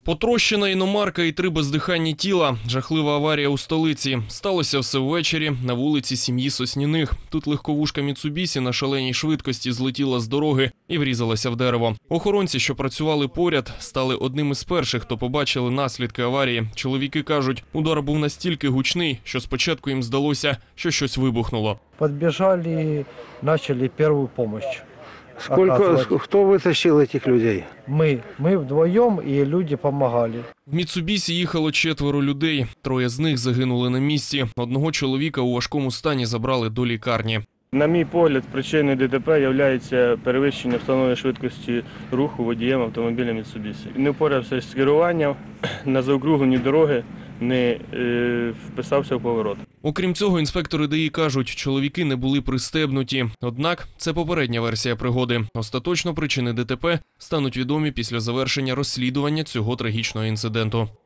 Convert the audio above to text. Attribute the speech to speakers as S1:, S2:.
S1: Потрощена іномарка і 3 бездиханні тіла. Жахлива аварія у столиці. Сталося все ввечері на вулиці сім'ї Сосніних. Тут легковушка Міцубісі на шаленій швидкості злетіла з дороги і врізалася в дерево. Охоронці, що працювали поряд, стали одним із перших, хто побачили наслідки аварії. Чоловіки кажуть, удар був настільки гучний, що спочатку їм здалося, що щось вибухнуло.
S2: Подбежали, начали первую помощь.
S3: Кто вытащил этих людей?
S2: Мы вдвоем, и люди помогали.
S1: В Міцубісі їхало 4 людей. 3 з них загинули на місці. Одного чоловіка у важкому стані забрали до лікарні.
S4: На мій погляд, причиною ДТП є перевищення встановленої швидкості руху водієм автомобіля Mitsubishi. Не впорався з керуванням, на заокруглені дороги не вписався в поворот.
S1: Окрім цього, інспектори ДАІ кажуть, чоловіки не були пристебнуті. Однак це попередня версія пригоди. Остаточно причини ДТП стануть відомі після завершення розслідування цього трагічного інциденту.